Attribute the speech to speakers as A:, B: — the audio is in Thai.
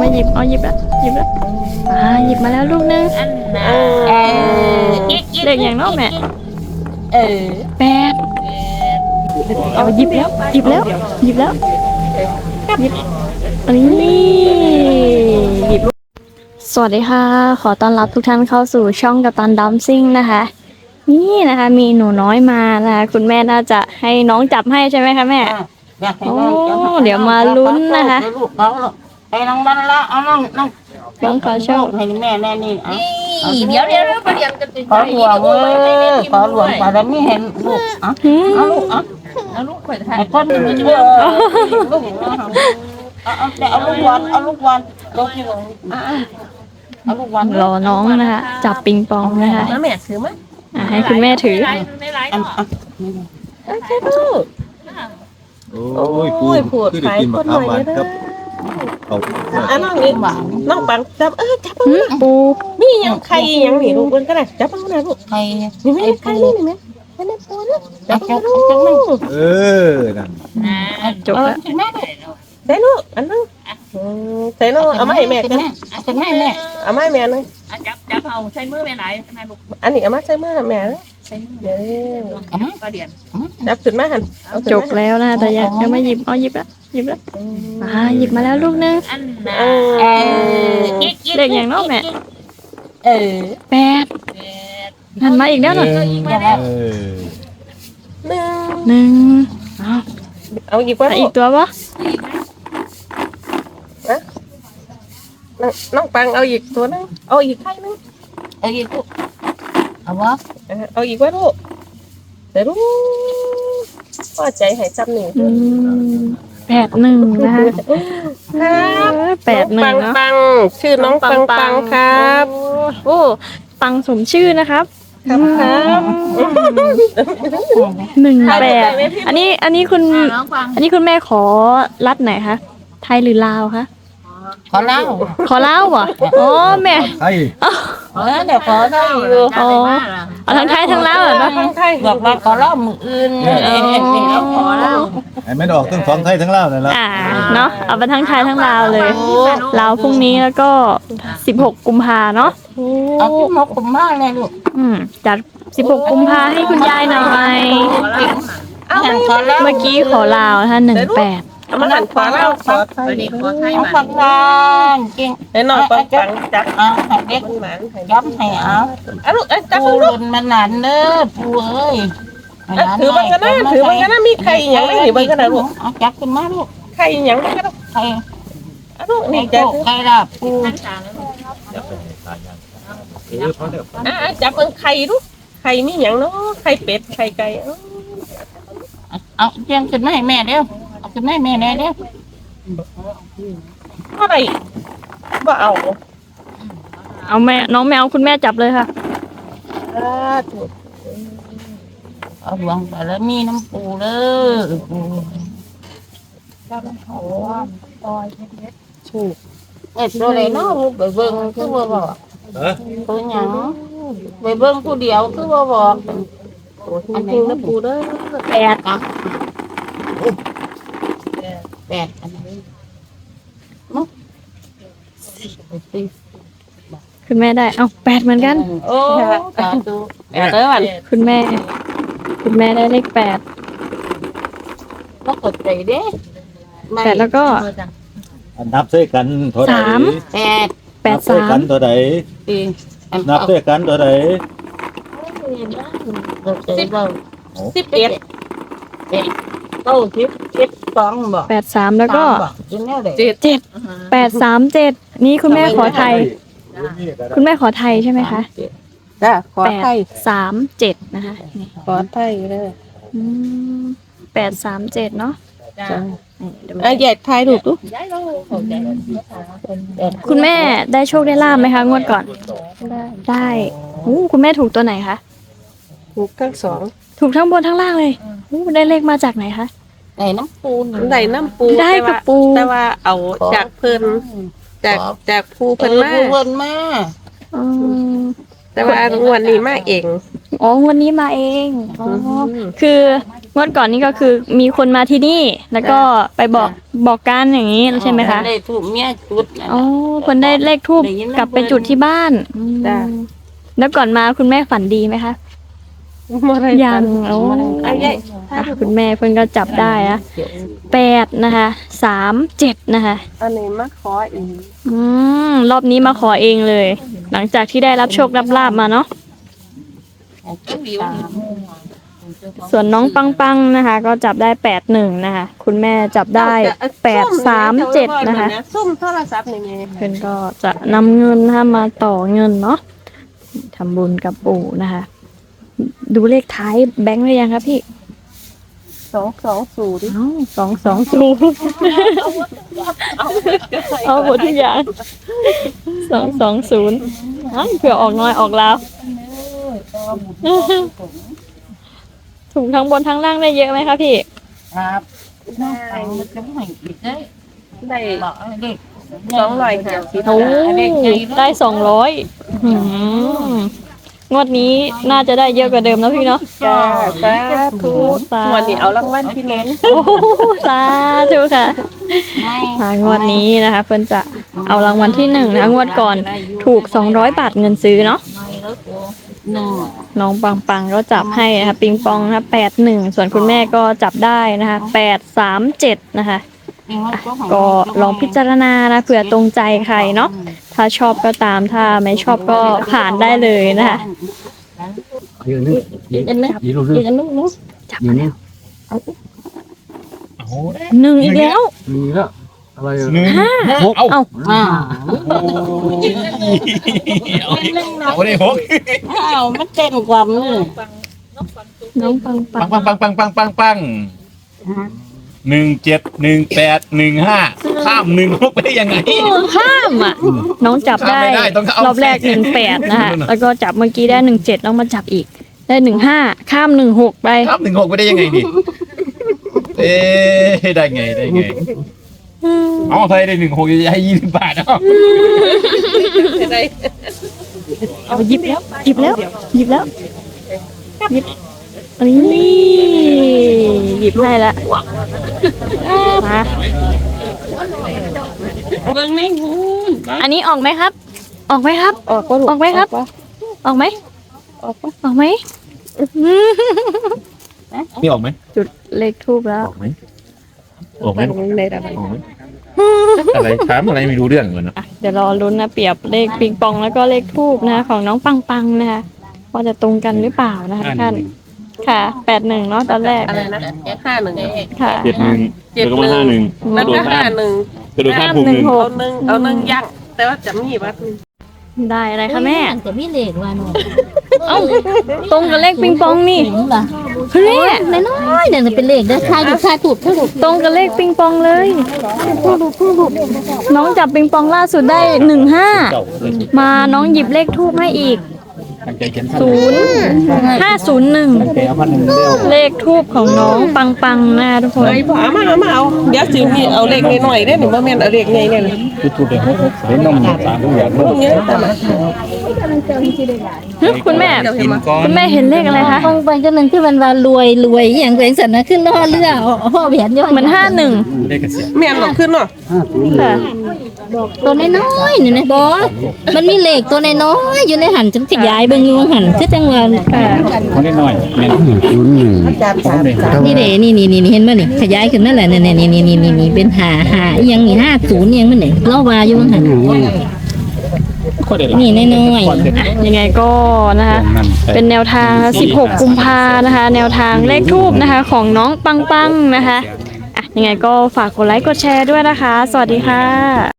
A: มาหยิบหยิบแล้วหยิบมาแล้วลูกนึงเลขอย่างน้องแม่แปดเอาหยิบแล้วหยิบแล้วอันนี้หยิบสวัสดีค่ะขอต้อนรับทุกท่านเข้าสู่ช่องกัปตันดัมซิ่งนะคะนี่นะคะมีหนูน้อยมานะคะคุณแม่น่าจะให้น้องจับให้ใช่ไหมคะแม่โอ้เดี๋ยวมาลุ้นนะคะ
B: ให้น้องบ้านละเอาน้อง
A: ขอโชค
B: ให้แม่แน่นี่
C: เดี๋ยวประเดี๋ยวจะ
B: ขอหลวงขอหลวงแต่ไม่เห็นลูกเอาลูก
C: เอาลูกข่อยถ่าย
B: ไอ้คนนี้ลูกเอาลูกวันลูกวัน
A: รอน้องนะคะจับปิงปองนะคะ
C: แม่ถือไหม
A: ให้คุณแม่ถือ
C: ไม่ไรหรอก
B: ใช่ลูก
D: โอ้ยพูดได้กินมะขามหวานครับเอา
B: น้องนี่น้องปังจับจับ
A: ปู
B: นี่ยังใครยังหนีลูกมันก็ได้จับเอาหน่อยลูกใครนี่ไม่ใครนี่ไหมไม่ได้ปูนะจับลูกนั่น
A: จบแล้ว
B: ใส่ลูกอันนั้นใส่ลูกเอามาให้แม่กันจะให้แม่เอามาให้แม่เลย
C: จับเอาใช้มือแม่ไหนแม่ลูก
B: อันนี้เอามาใส่มือแม่เดี๋ยว
C: ประเดี๋ยว
B: จับขึ้นมาหัน
A: จบแล้วนะแต่ยังไม่หยิบหยิบแล้วหยิบมาแล้วลูกนึงเลขอย่างน้องแม่แปดหันมาอีกแล้วหน่อยหนึ่ง
B: เอาอีกว่า
A: อีกตัวปะ
B: น้องปังเอาอีกตัวนึงเอาอีกใครนึง
C: เอาอีกลูกเอาวะ
B: เอาอีกว่าลูกเดี๋ยวลูกพ่อใจหายจำหนึ่ง
A: 81นะคะ81เนาะ
B: ปังชื่อน้องปังครับ
A: โอ้ปังสมชื่อนะครับ18อันนี้คุณแม่ขอรัฐไหนคะไทยหรือลาวคะ
B: ขอเล่า
A: เหรออ๋อแม่
B: เดี๋ยวขอได้อยู่
A: เอาทั้งไทยทั้งลาวเหรอ
B: ทั้งไทยบอกว่าขอเล่ามืออื่น
C: ขอเล่า
D: ไม่ดอกต้องท้องไทยทั้งลาวเลยละ
A: เนาะเอาไปทั้งไทยทั้งลาวเลยลาวพรุ่งนี้แล้วก็16 กุมภาเนาะ
B: เอา16 กุมภาเลยลูก
A: จัด16 กุมภาให้คุณยายหน่อยเมื่อกี้ขอลาวท่าน18
B: มันหันขวาเล่าขอไทยปังเก่งเดี๋ยวน้องปังจับให้เด็กย้ำให้ลูกจับปูหล่นมันหลานเด้อปูเอ้ยถือมันกันนะมีใครอย่างนี้ถือมันกันนะลูกจับขึ้นมาลูกใครอย่างนี้ก็ใครลูกนี่จับใครล่ะปูจับเป็นใครลูกใครมีอย่างเนาะใครเป็ดใครไก่เอาเพียงขึ้นมาให้แม่เด้อเอาขึ้นมาให้แม่แน่เด้ออะไรว่า
A: เอาแม่น้องแมวคุณแม่จับเลยค่ะ
B: เอาหวังไปแล้วมีน้ำปูเลยปูถูกตัวไหนเนาะไปเบิ่งคือว่าบอกตัวหยังไปเบิ่งผู้เดียวคือว่าบอกอันนี้น้ำปูเด้อ8อันนี้
A: คุณแม่ได้8เหมือนกัน
B: โอ้8เลยวัน
A: คุณแม่ได้เลข8
B: ก็กดใจเด้
A: 8แล้วก็
D: นับด้วยกันเท่าไหร่
A: 8
D: กันเท่าไหร่นับด้วยกันเท่าไหร่
B: 11 บอก
A: 83แล้วก็7 837นี่คุณแม่ขอไทยใช่ไหมคะ
B: ขอไทย
A: 837นะคะ
B: ขอไทยเลย
A: 837เนาะ
B: ใหญ่ไทยถูกตุ๊
A: คุณแม่ได้โชคได้ลาภไหมคะงวดก่อนได้คุณแม่ถูกตัวไหนคะ
B: ถูกทั้ง2
A: ถูกทั้งบนทั้งล่างเลยได้เลขมาจากไหนคะ
B: ได้น้ำปูได้
A: กับปู
B: แต่ว่าเอาจากเพิ่นจากภูเพิ่นมาแต่ว่างวดนี้มาเอง
A: อ๋อวันนี้มาเองอ๋อคืองวดก่อนนี้ก็คือมีคนมาที่นี่ แล้วก็ไปบอกกันอย่างนี้ใช่ไหมคะ
C: ได้ถูกเมียจุด
A: อ๋อคนได้เลขทูบกลับไปจุดที่บ้าน
B: จ้ะ
A: แล้วก่อนมาคุณแม่ฝันดีไหมคะ ยังโอ้
B: ไอ้ใหญ่
A: คุณแม่เพิ่นก็จับได้นะ8นะคะ37นะคะ
B: อันนี้มาขออีก
A: รอบนี้มาขอเองเลย หลังจากที่ได้รับโชครับลาบมาเนาะส่วนน้องปังนะคะ ก็จับได้81นะคะ คุณแม่จับได้837นะคะ
B: ซุ่มโทรศัพท์นี่ไง
A: เพื่อนก็จะนำเงินนะคะมาต่อเงินเนาะทำบุญกับปู่นะคะ ดูเลขท้ายแบงค์หรือยังครับพี่
B: 220
A: เอ้า220เอาหมดทุกอย่าง220เผื่อออกน้อยออกแล้วถูกทั้งบนทั้งล่างได้เยอะไหมคะพี่
C: ครับน้องไปมันจะไม่อีกได้
B: ได้
C: บอกเด็ก
B: 250
A: โอ้ได้200งวดนี้น่าจะได้เยอะกว่าเดิมแล้วพี่เนาะ
B: จ้าสาธุงวดนี้เอารางวัลที่1
A: โอ้สาธุค่ะงวดนี้นะคะ เพิ่นจะเอารางวัลที่1นะคะงวดก่อนถูก200 บาทเงินซื้อเนาะ น้องปังก็จับให้นะคะปิงปองนะคะ81ส่วนคุณแม่ก็จับได้นะคะ837นะคะก็ลองพิจารณานะเผื่อตรงใจใครเนาะถ้าชอบก็ตามถ้าไม่ชอบก็ผ่านได้เลยนะคะ
E: ยืนนึงยืนลูกนึง
A: จับ
E: ยืนนี่
A: หนึ่งอีกแล้ว
E: มีแล้วอะไร
D: หกเอา
A: เอ้า
D: เอาได้หก
C: อ้าวมันเต้นกว่ามือ
A: น้องปัง
D: ปัง171815ข้าม16ไปได้ยังไง
A: ข้ามอ่ะน้องจับได้
D: ข้ามไม่ได้ต้องเอา
A: รอบแรก18นะคะแล้วก็จับเมื่อกี้ได้17แล้วมาจับอีกได้15ข้าม16ไป
D: ข้าม16ไปได้ยังไงดิได้ไงเอาใครได้16จะให้20 บาทเอา
A: เอาหยิบแล้วหยิบอันนี้หยิบให้ละมา
C: เบิ่งไม่หู
A: อันนี้ออกไหมครับ ออกไหมครับ
B: ออกก็ลูก
A: ออกไหมครับ ออกไหมออกไหม
D: นี่ออกไหม
A: จุดเลขทูบแล้ว
D: ออกไหมออกไหม
B: ในระดับ
D: ออกไหมอะไรถามอะไรไม่รู้เรื่องเหมือนนะ
A: อ่ะเดี๋ยวรอลุ้นนะเปรียบเลขปิงปองแล้วก็เลขทูบนะคะของน้องปังนะคะว่าจะตรงกันหรือเปล่านะคะท่านค่ะ81เนาะตอนแรก
B: อะไรนะ51
A: ค่ะ
D: 71แล้วก็มา51
B: แล้วก็51
D: กระโดดข้ามภูมิ
B: เอาหนึ่งย่างแต่ว่าจะมีวัด
A: ได้อะไรคะแม่
C: แต่ไม่เลขว่าหนู
A: เอ้าตรงกับเลขปิงปองนี่
C: ถึงล่ะ
A: คุณแม่
C: น้อยๆเดี๋ยวจะเป็นเลขเด้อทายถูกทายถูก
A: ตรงกับเลขปิงปองเลยน้องจับปิงปองล่าสุดได้15มาน้องหยิบเลขทูบให้อีก0501เลขทูบของน้องปังนะทุกคน
B: เฮ้ยพ่อมาเอาเดี๋ยวสิมีเอาเล็กหน่อยได้หนูบ่แม่นเอาเล็กใหญ่เนี่ย
E: ทุกเด็กเห็นนมสามอย่าง
B: พวกนี้แต่ละ
A: คุณแม่เห็นเลขอะไรคะ
C: ลงไปก็นึงที่มันว่ารวยอย่างเป็นสันนะขึ้นล่อเรือห่อแหวนย่อย
A: เหมือน51
B: แม่นหรอกขึ้นเนาะ
A: ค่ะ
C: ตัวน้อยๆนี่นะบอมันมีเลขตัวน้อยๆอยู่ในหันจังขยายเบิ่งอยู่หันคือจังว่า
E: คนนิดหน่อยเมน
C: นี่เด้นี่เห็นบ่นี่ขยายขึ้นนั่นแหละนี่เป็นหาอีหยังนี่50อีหยังมันนี่เราว่าอยู่หันนี่น้อยๆ
A: ยังไงก็นะคะ เป็นแนวทาง16 กุมภานะคะ แนวทางเลขทูบนะคะ ของน้องปังนะคะอ่ะยังไงก็ฝากกดไลค์กดแชร์ด้วยนะคะ สวัสดีค่ะ